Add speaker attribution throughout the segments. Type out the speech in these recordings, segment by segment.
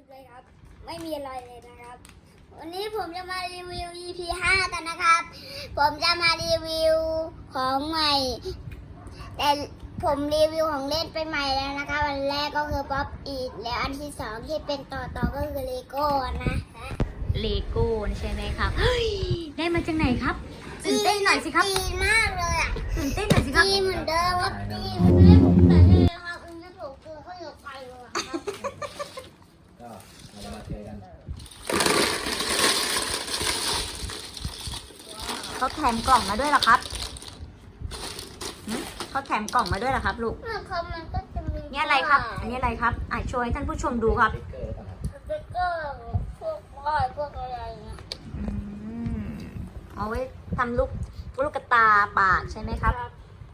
Speaker 1: ลิปเลยครับไม่มีอะไรเลยนะครับวันนี้ผมจะมารีวิว EP 5 กันนะครับผมจะมารีวิวของใหม่แต่ผมรีวิวของเล่นไปใหม่แล้วนะคะวันแรกก็คือป๊อปอีทแล้วอันที่สองที่เป็นต่อก็คือเลโก้นะ
Speaker 2: เลโก้ใช่ไหมครับเฮ้ยได้มาจากไหนครับตื่นเต้นหน่อยสิครับ
Speaker 1: ดีมากเลยอ่ะ
Speaker 2: ตื่นเต้นหน่อยสิครับ
Speaker 1: ดีเหมือนเดิมครับดีมันไม่ผมแต่เลยครับมันไม่ถูกตัวเขาอยู่ไกลเลยครับ
Speaker 3: ก็เรามาเทกัน
Speaker 2: เขาแถมกล่องมาด้วยเหรอครับเขาแถมกล่องมาด้วยเหรอครับลูก
Speaker 1: มันก็จะมี
Speaker 2: นี่อะไรครับอันนี้อะไรครับโชว์ให้ท่านผู้ชมดูครับ
Speaker 3: สติ๊กเกอร์หรือเปล่าครับ
Speaker 1: สติ๊กเกอร์พวกป้ายพวกอะไรเงี้ย
Speaker 2: เอาไว้ทำลูกกระตาปากใช่ไหมครับ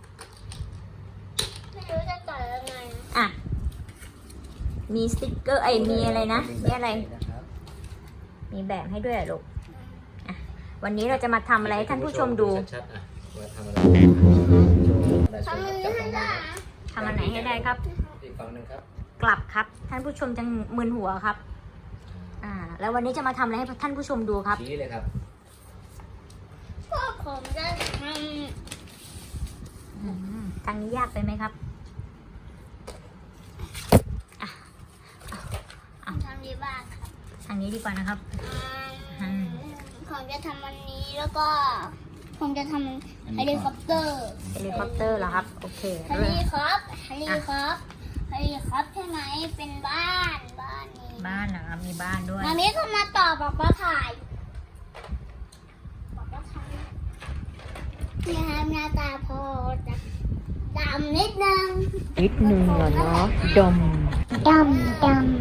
Speaker 1: ไม่รู้จะใส่ยังไง
Speaker 2: อ่ะมีสติ๊กเกอร์มีอะไรนะมีอะไรมีแบบให้ด้วยเหรอลูกอ่ะวันนี้เราจะมาทำอะไรให้ท่านผู้ชมดู
Speaker 3: ชัดๆอ่ะว่าทำอะไร
Speaker 1: ทำมันไม่ได้
Speaker 2: ทำอันไหนให้ได้ครับ
Speaker 3: อีกฝั่งหนึ่งครับ
Speaker 2: กลับครับท่านผู้ชมจะมึนหัวครับแล้ววันนี้จะมาทำอะไรให้ท่านผู้ชมดูครับ
Speaker 3: ชี้เลยครับ
Speaker 1: พวกผมจะท
Speaker 2: ทางนี้ยากไปไหมครับ
Speaker 1: ำทำดีบ้างครับ
Speaker 2: ทางนี้ดีกว่านะครับ
Speaker 1: ผมจะทำวันนี้แล้วก็ ผมจะทำเฮลิคอปเตอร์
Speaker 2: เฮลิคอปเตอร์เหรอครับโอเค
Speaker 1: เฮลิคอปเฮลิคอปเฮลิคอปใช่ไหมเป็นบ้านนี้
Speaker 2: บ้านนะครับมีบ้านด้วย
Speaker 1: มามีก็มาต่อบอกว่าถ่ายนี่ครับหน้าตาพอจะดำนิดนึง
Speaker 2: นิดนึงเหรอเนาะดม
Speaker 1: ดำ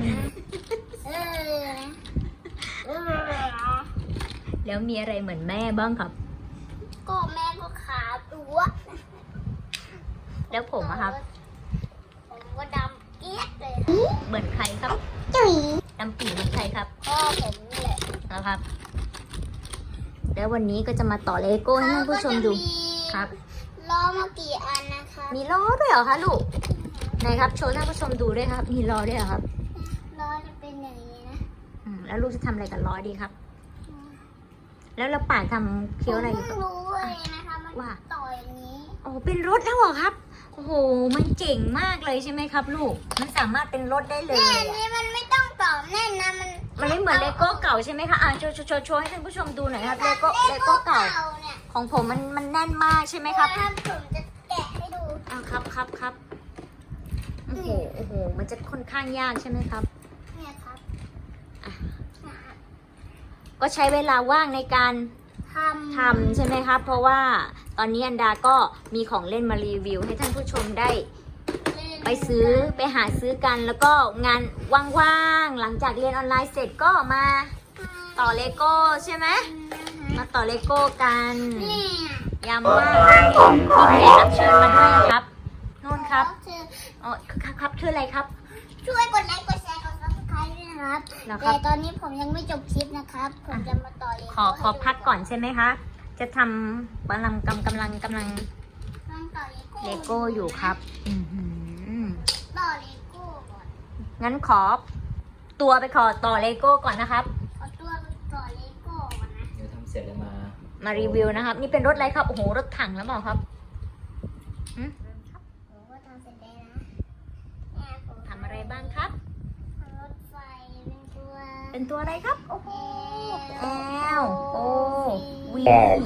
Speaker 1: เออ
Speaker 2: แล้วมีอะไรเหมือนแม่บ้างครับ
Speaker 1: ก็แม่ก็ขาตัว
Speaker 2: แล้วผมอะครับ
Speaker 1: ผมก็ดำเกี้ยดเลย
Speaker 2: เหมือนใครครับ
Speaker 1: จุ๋ย
Speaker 2: ดำปีเหมือนใครครับ
Speaker 1: พ่อผมนี่แหละ
Speaker 2: นะครับ แล้ววันนี้ก็จะมาต่อเลโก้ให้ท่านผู้ชมดูครับ
Speaker 1: ล้อมากี่อันนะคะ
Speaker 2: มีล้อด้วยเหรอคะลูกไหนครับโชว์ท่านผู้ชมดูด้วยครับ มีล้อด้วยเหรอครับ
Speaker 1: ล้อจะเป็นอย่างนี้นะ
Speaker 2: แล้วลูกจะทำอะไรกับล้อดีครับ แล้วเราป่านทำเคี้ยวอะไร
Speaker 1: ผม
Speaker 2: อยู่
Speaker 1: เพิ่
Speaker 2: กับ
Speaker 1: งรู้เลยนะคะมัน
Speaker 2: ว่า
Speaker 1: ต่ออย่างนี้
Speaker 2: โอ้เป็นรถแล้วเหรอครับโอ้โหมันเจ๋งมากเลยใช่ไหมครับ ลูกมันสามารถเป็นรถได้เลย
Speaker 1: แน่
Speaker 2: อะ
Speaker 1: นี่มันไม่ต้องต่อแน่นนะมัน
Speaker 2: มันไม่เหมือนเลโก้เก่าใช่ไหมคะโชว์ให้ท่านผู้ชมดูหน่อยครับเลโก้เก่า
Speaker 1: เนี่ย
Speaker 2: ของผมมันแน่นมากใช่ไหมครับ
Speaker 1: ถ้าผมจะแกะให้ดู
Speaker 2: ครับโอ้โหมันจะค่อนข้างยากใช่ไหมครับ
Speaker 1: เนี่ยครับ
Speaker 2: ก็ใช้เวลาว่างในการ
Speaker 1: ท
Speaker 2: ทำใช่ไหมครับ เพราะว่าตอนนี้อันดาก็มีของเล่นมารีวิว ให้ท่านผู้ชมได้
Speaker 1: ำ
Speaker 2: ไปซื้อไปหาซื้อกัน แล้วก็งานว่างๆหลังจากเรียนออนไลน์เสร็จก็มาต่อเลโก้ใช่ไหมมาต่อเลโก้กัน
Speaker 1: เนี่ย
Speaker 2: ยามว่างมีแขกรับเชิญมาด้วยนะครับนู่นครับอ๋อครับชื่ออะไรครับ
Speaker 1: ช่วยกดไลค์กดแชร์กด subscribe ด้วยนะครับ
Speaker 2: แล้วครับ
Speaker 1: แต่ตอนนี้ผมยังไม่จบคลิปนะครับ ผมจะมาต่อเลย
Speaker 2: ขอพักก่อนใช่ไหมคะ จะทำกำลัง
Speaker 1: ต้องต่อเลโก้
Speaker 2: เลโก้อยู่ครับ
Speaker 1: ต่อเลโก้ก่อน
Speaker 2: งั้นขอตัวไปขอต่อเลโก้ก่อนนะครับ
Speaker 1: เอาตัวไปต่อเลโก้ก่อนนะ
Speaker 3: เดี๋ยวทำเสร็จแล้ว
Speaker 2: มารีวิวนะครับ นี่เป็นรถอะไรครับ โอ้โห รถถังแล้วเปล่าครับ
Speaker 1: ผมก็ทำเสร็จแล้วนะเนี่ยผม
Speaker 2: ทำอะไรบ้างครับ
Speaker 1: ทำรถไฟเป็นตัว
Speaker 2: เป็นตัวอะไรครับ โอ้โห L O V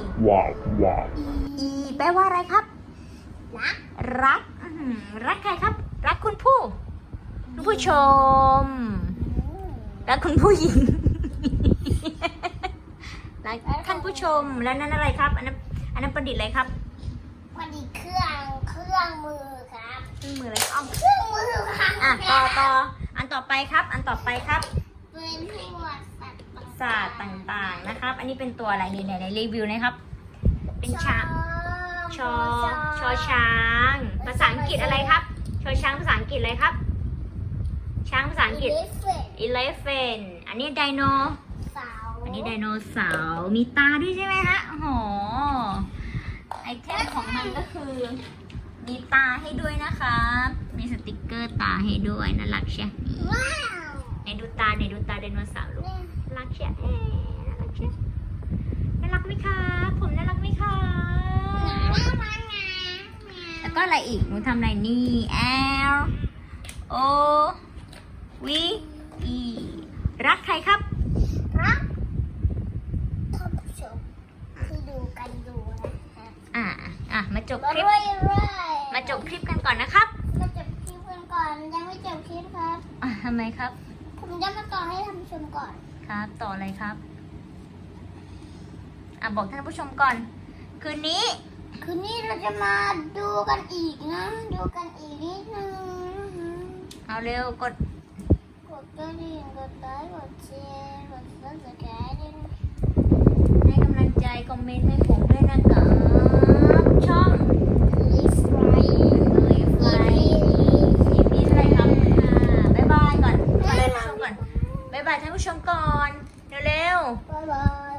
Speaker 2: E แปลว่าอะไรครับ รักรักใครครับ รักคุณผู้ชม รักคุณผู้หญิง รักท่านผู้ชม แล้วนั่นอะไรครับ อันนั้นประดิษฐ์อะไรครับ
Speaker 1: มันอีกเครื่องมือครับ
Speaker 2: เครื่องมืออะไรอ้อม
Speaker 1: เครื่องมือครับ
Speaker 2: ต่ออันต่อไปครับ อันต่อไปครับ
Speaker 1: เป็นพวกสัตว์
Speaker 2: ศาสตร์ต่างๆนะครับ อันนี้เป็นตัวอะไรนี่ไหนรีวิวนะครับ เป็นช้างชอช้าง ภาษาอังกฤษอะไรครับ ชอช้างภาษาอังกฤษอะไรครับ ช้างภาษาอังกฤษ elephant อันนี้ไดโน
Speaker 1: เสา
Speaker 2: อันนี้ไดโนเสาร์มีตาด้วยใช่ไหมฮะโอ้โหไอเทมของมันก็คือ มีตาให้ด้วยนะคะมีสติกเกอร์ตาให้ด้วยน่ารักใช่
Speaker 1: ว้าว
Speaker 2: ไหนดูตาไดโนเสาร์ลูกน่ารักเชียวน่ารักเชียวน่ารักไหมคะผมน่ารักไหมคะแล้วก็อะไรอีกหนูทำอะไรนี่ L O V E รักใครครับ
Speaker 1: ครับท่านผู้ชมที่ดูกันอยู่นะครับ
Speaker 2: มาจบคลิป
Speaker 1: เรื่อย
Speaker 2: มาจบคลิปกันก่อนนะครับ
Speaker 1: มาจบคลิปกันก่อนยังไม่จบคลิปครับ
Speaker 2: ทำไมครับ
Speaker 1: ผมจะมาต่อให้ท่านผู้ชมก่อน
Speaker 2: ครับ ต่ออะไรครับ บอกท่านผู้ชมก่อน คืนนี้
Speaker 1: คืนนี้เราจะมาดูกันอีกนะ ดูกันอีกนิดนึงนะคะ
Speaker 2: เอาเร็วกด
Speaker 1: กดกระดิ่งกดไลค์กดแชร์กด subscribe ด้วยนะ
Speaker 2: ให้กำลังใจคอมเมนต์ให้ผมด้วยนะครับช่อง
Speaker 1: Live Right
Speaker 2: EP อะไรครับบ๊ายบายก่อนบ๊ายบายท่านผู้ชมก่อน บ๊ายบายท่านผู้ชมก่อน เร็วๆ
Speaker 1: บ๊ายบาย